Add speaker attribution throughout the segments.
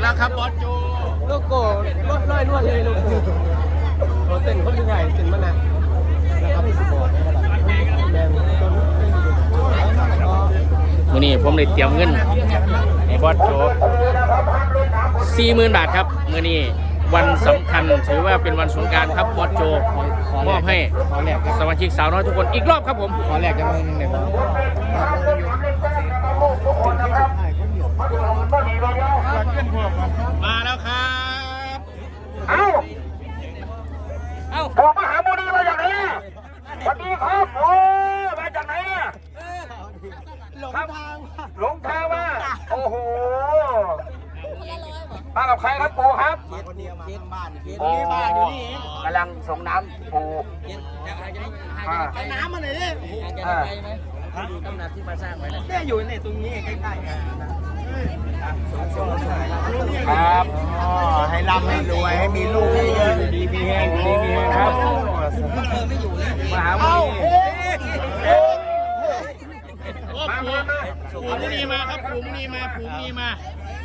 Speaker 1: แล้วครับบอสโจ
Speaker 2: โลโก้รถลอยนวดเลยลูกโอ้เต้นคนยังไงเต้นมันนะนะครับไม่สปอร์ตแดงต้น
Speaker 1: มื้อนี้ผมได้เตรียมเงินให้บอสโจ40,000 บาทครับมื้อนี้วันสำคัญถือว่าเป็นวันสงกรานต์ครับบอสโจมอบให้สมาชิกสาวน้อยทุกคนอีกรอบครับผม
Speaker 2: ขอแลกกันมือนึงเลย
Speaker 1: มาแล้วครับ
Speaker 3: ผมมหาโมนีมาจากไหนสวัสดีครับโอ้มาจากไหนหลงทางมาโอ้โหมากับใครครับปู่ครับ
Speaker 2: เคสบ้านเคส
Speaker 3: บ้านอยู่นี่กำลังส่งน้ำปู่
Speaker 2: น้ำมาหน่อยดิจะได้ไปไหมอยู่ตำหนักที่มาสร้างไว้นะเนี่ยอยู่ในตรงนี้ใกล้ๆ
Speaker 3: ครับ
Speaker 2: ให้ร่ำให้รวยให้มีลูกเยอะ
Speaker 3: ดีมีแห้งดีมีแห้งครับ
Speaker 2: ไม่อยู่เลย
Speaker 3: มหาโมนี
Speaker 1: ปู่มุนีมาครับปู่มุนีมาปู่มุนีมา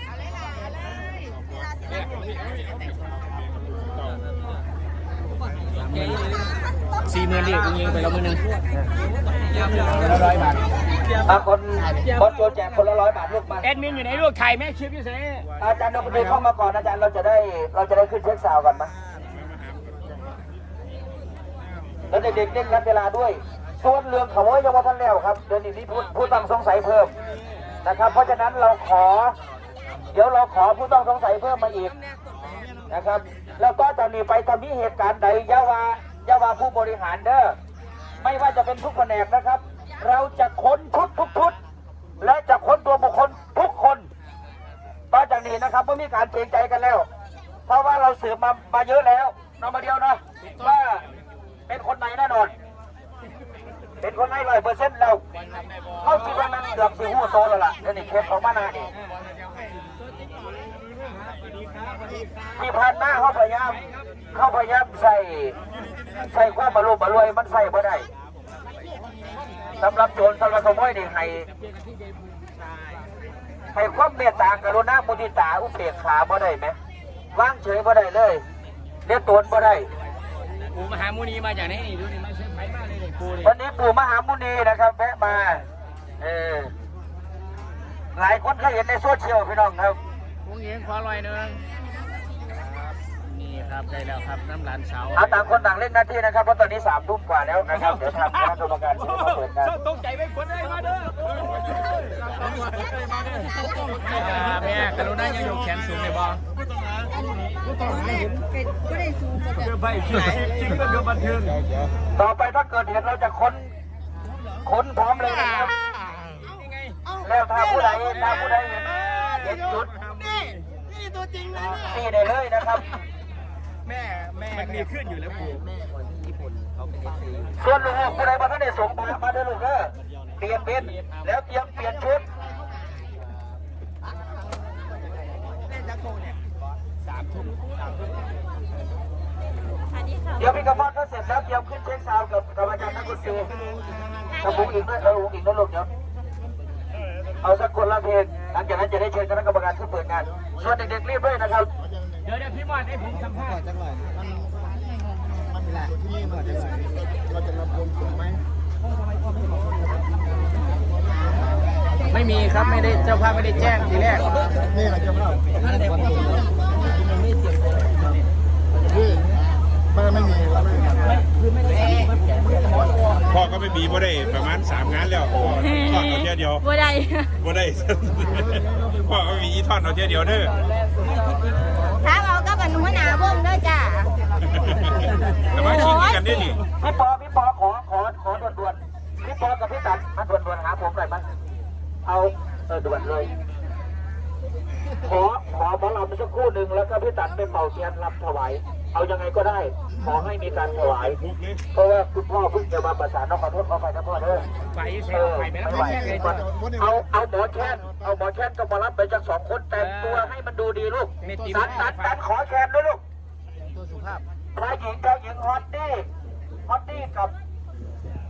Speaker 1: 40,000ดิยิงไปแล้วมือนึง
Speaker 3: 100 บาทคนโจแจกคนละ100 บาทลูกมา
Speaker 1: แอดมินอยู่ไหนลูกถ่ายแม่ชิปอยู่ไหน
Speaker 3: อาจารย์เราไปดูเข้ามาก่อนอาจารย์เราจะได้ขึ้นเช็คซาวกันมั้ยแล้วเด็กๆเล่นกันเวลาด้วยส่วนเรื่องขโมยยังว่าท่านแล้วครับเดี๋ยวนี้ผู้ต้องสงสัยเพิ่มนะครับเพราะฉะนั้นเดี๋ยวเราขอผู้ต้องสงสัยเพิ่มมาอีกนะครับแล้วก็จะมีไปทำนี้เหตุการณ์ใดยาวาผู้บริหารเด้อไม่ว่าจะเป็นทุกแผนกนะครับเราจะค้นทุกชุดและจะค้นตัวบุคคลทุกคนต่อจากนี้นะครับไม่มีการเกรงใจกันแล้วเพราะว่าเราสืบมาเยอะแล้วนมาเดียวนะว่าเป็นคนไหนแน่นอนเป็นคนไหน100%แล้วเขาคิดว่ามันเกือบสิหูโซแล้วล่ะเดี๋ยวนี้เคสของมานานี่ที่ผ่านมาเขาพยายามใส่ความบรรลุบรรวยมันใส่ไม่ได้สำหรับโจรสำหรับขโมยนี่ให้ความเมตตากรุณามุทิตาอุเบกขาบ่ได้ไหมว่างเฉยบ่ได้เลยเรียกตัวบ่ได้
Speaker 1: ปู่มหามุนีมาจากไหนนี่ดูนี่มาเชิญไปมากเลยปู่นี่
Speaker 3: วันนี้ปู่มหามุนีนะครับแวะมาหลายคนเคยเห็นในโซเชียลพี่น้องครับ
Speaker 1: วงเงินขอลอยนึงนี่ครับได้แล้วครับน้ำหลานสาว
Speaker 3: ต่างคนต่างเล่นหน้าที่นะครับเพราะตอนนี้3 ทุ่มกว่าแล้วนะครับเดี๋ยวทางคณะกรรมการจะมาเปิดงาน
Speaker 1: ตกใจไม่ควรได้มาเด้อแม่กรุณายังยกแขนสูงเลยบอ
Speaker 2: ก็ได้สูงก็จะ
Speaker 1: ไปที่ไหนจริงก็เดือบันเทิง
Speaker 3: ต่อไปถ้าเกิดเหตุเราจะค้นพร้อมเลยนะครับแล้วถ้าผู้ใดเห็นจุด
Speaker 2: นี่ตัวจริงเลย
Speaker 3: นี่ได้เลยนะครับ
Speaker 2: แม่
Speaker 1: มันมีขึ้นอยู่แล้วปู่
Speaker 2: แม่คนที่ญี่ปุ่นเขาเป็นเอฟซี
Speaker 3: ส่วนลูกผู้ใดมาท่านได้ส่งมาเด้อลูกเด้อเปลี่ยนเป็นแล้วเตรียมเปลี่ยนชุด
Speaker 2: เล่นจักรโกเนี่ย3 ทุ่ม
Speaker 3: เดี๋ยวพี่กระมอดก็เสร็จแล้วเตรียมขึ้นเช็คซาวกับอาจารย์นักดนตรีกับบุ้งอีกด้วยบุ้งอีกด้วยลูกเดี๋ยวเอาสักคนละเพลงหลังจากนั้นจะได้เชิญคณะกรรมการขึ้นเปิดงานส่วนเด็กๆรีบด้วยนะครับ
Speaker 1: เดี๋ยวพี่มอดให้ผมสัมภาษณ์
Speaker 2: จังเลยมันเป็นแหละที่นี่เหมือนจังเลยเราจะรับลมสูงไหม
Speaker 1: ไม่มีครับไม่ได้เจ้าภาพไม่ได้แจ้งทีแรก
Speaker 2: นี่เราจะเล่าไม่มี
Speaker 4: พ่อก็ไม่มีบ่ได้ประมาณ3 งานแล้วทอดเอาเที่ยว
Speaker 5: บ่ได้
Speaker 4: พ่อก็มีทอดเอาเที่ยวเด้อ
Speaker 5: ถ้าเราก็เป็นหัวหน้าวงด้วยจ้ะ
Speaker 4: แต่ว่าชิงกันได้ดิ
Speaker 3: พี่ปอขอด่วนพี่ปอกับพี่ตันมาด่วนหาผมหน่อยมั้ยเอาด่วนเลยขอหมอลำสักคู่หนึ่งแล้วก็พี่ตันไปเป่าเทียนรำถวายเอายังไงก็ได้ขอให้มีการถวายเพราะว่าคุณพ่อเพิ่งจะมาประสานขอโทษขอไปนะพ่อเด้อ
Speaker 1: ไฟเสียไฟไม่ไหว
Speaker 3: เอาหมอแค้นก็มารับไปจาก2 คนแต่งตัวให้มันดูดีลูกตัดขอแค้นด้วยลูก
Speaker 2: ตัวสุภาพ
Speaker 3: ชายหญิงฮอตดี้กับ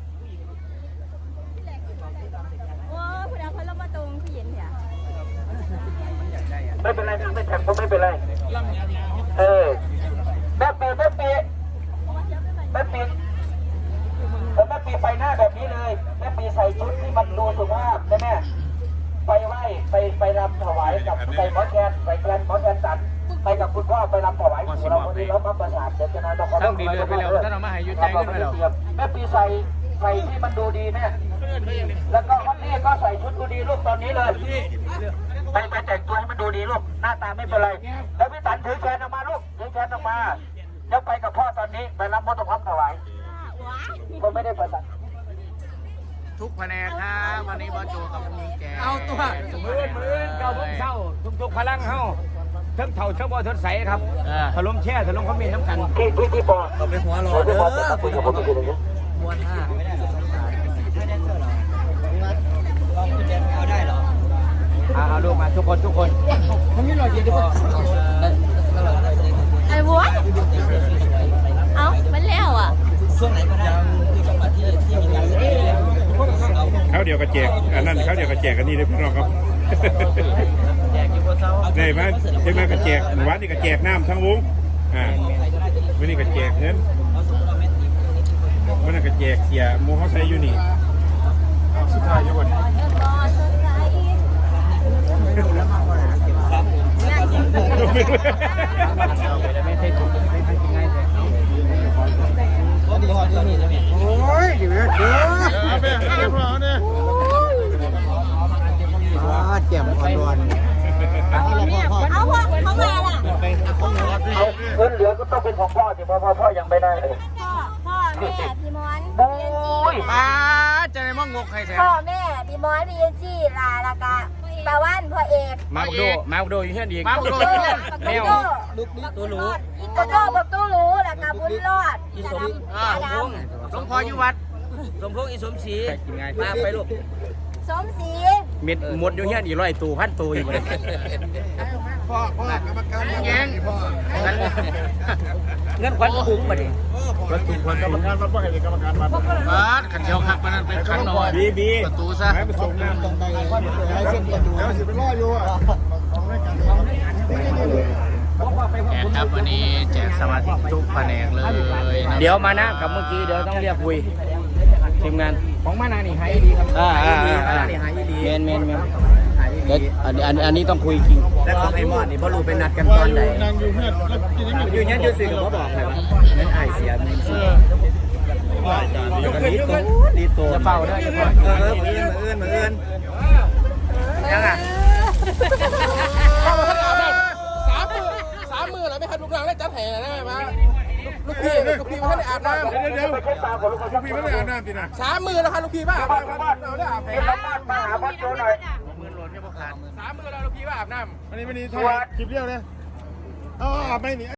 Speaker 5: โอ้คุณเอาพัดลมมาตรงที่เย็นเนี่ย
Speaker 3: ไม่เป็นไรไม่แท็กผมไม่เป็นไรแม่ปีแม่ปีไปหน้าแบบนี้เลยแม่ปีใส่ชุดที่มันดูสุภาพใช่ไหมไปไหว้ไปรำถวายกับใส่หมอแคนตัดไปกับคุณพ่อไปรำถวายของเราวันนี้เรามาประสานเดี๋ยวจะนายต้องขอ
Speaker 1: ตั้งดีเลยไปแล้วท่านเอามาให้ยุติขึ้นไปแล้ว
Speaker 3: แม่ปีใส่ที่มันดูดีแม่แล้วก็วันนี้ก็ใส่ชุดดูดีลูกตอนนี้เลยไปแต่งตัวให้มันดูดีลูกหน้าตาไม่เป็นไรแล้วพี่ตันถือแขนออกมาลูกถือแขนออกมาเดี๋ยวไปกับพ่อตอนนี้ไปรับมอเตอร์พัมถวายก็ไม่ได้ประสาน
Speaker 1: ทุกแผนกครับวันนี้บอสโจกับมีแก
Speaker 2: เอาตัวมือเก่าพวกเศร้าทุกพลังเฮาเทิงเท่าเทิงบ่เทิงใสครับถล่มแช่ถล่มคอมเมนต์น้ำกัน
Speaker 3: ที่ปอเราไปหัวรอเด้อคุยกับผมทีนึง
Speaker 2: มวนห้าเอาลูกมาทุกคนมันมีหน่อยเดียว
Speaker 5: ไอ้บัวเอ้ามันแล้วอ่ะ
Speaker 4: เขาเดียวกับแจกอันนั้นเขาเดียวกับแจกอันนี้เลยพี่น้องครับได้ไหมได้ไหมกับแจกวันนี้กับแจกน้ำทั้งวงวันนี้กับแจกเงินวันนั้นกับแจกเสียโมเขาใช้อยู่นี่สุดท้ายอยู่ก่อน
Speaker 2: ไม่ใช่ถูกไม่ใช่ง่ายเลยโอ้ยดีเลยเจ็บอ่อน
Speaker 5: เอาพ่อเขามาล่ะ
Speaker 3: เอาเงินเหลือก็ต้องเป็นของพ่อสิเพราะพ่อยังไม่ได้เลย
Speaker 5: พ่อแม่พี่มอน
Speaker 3: โอ้ย
Speaker 1: ป้าจะได้มั่งงกใครแท้
Speaker 5: พ่อแม่พี่มอนพี่ยันจี้ลาละกะตะวันพ่อเอก
Speaker 1: มาบุกโดอยู่เฮียนอีก
Speaker 5: บักโดแมวตัวรู้บักโดบักตู้รู้ละกะบุญรอดจะดำ
Speaker 1: หลวงพ่ออยู่วัด
Speaker 2: สมพงษ์อีสมศรี
Speaker 1: กินง่าย
Speaker 2: มาไปลูก
Speaker 5: สมศรี
Speaker 1: เม็ดหมดอยู่เฮียนอีก100 ตู้พันตู้อยู่เลย
Speaker 4: พ่อกรรมการ
Speaker 1: แงง
Speaker 2: เงินขวัญคุ้มมาดิ
Speaker 4: กรรมการวัดว่าให้กรรมการวัด
Speaker 1: ขันเดียวขักมันเป็นขันนอน
Speaker 4: บี
Speaker 1: ประตูซะ
Speaker 4: ให้ไปส่งน้ำตรงไปให้เส้นประตูแล้วสิไปรออยู่อ่ะ
Speaker 1: แจกครับวันนี้แจกสมาชิกทุกแผนกเลยเดี๋ยวมานะกับเมื่อกี้เดี๋ยวต้องเรียกคุยทีมงาน
Speaker 2: ของมานานี่หายดีครับ
Speaker 1: มานานี่หายดีเมนเดี๋ยวอันนี้ต้องคุยจริง
Speaker 2: แล้วของไอ้มอดนี่พ่อรู้เป็นนัดกันตอนไหน
Speaker 4: นางอยู่เพื่อนแล้วกินยัง
Speaker 2: อยู่เนี่ยอยู่สิกับพ่อบอกเลยว่านั่นไอเสียมันสิดีตัวจะเฝ้าได้มาเอื้อนยังอ่ะ
Speaker 6: 3 มือแล้วไม่ทันลูกหลานได้จัดแห่นะมาลูกพี่ไม่ได้อาบน้ำ
Speaker 4: เดี๋ยวพี่ไม่ได้อาบน้ำสินะ
Speaker 6: 3 มือแล้วครับลูกพี่ว่าอาบน้ำเราได้อาบแห่
Speaker 3: มาหาพ่อโจหน่อย
Speaker 6: 3 มือแล้วลูกพี่ว่าอาบน้ำ
Speaker 4: วันนี้ถ่ายคลิปเดียวเลยอ๋อไม่หนี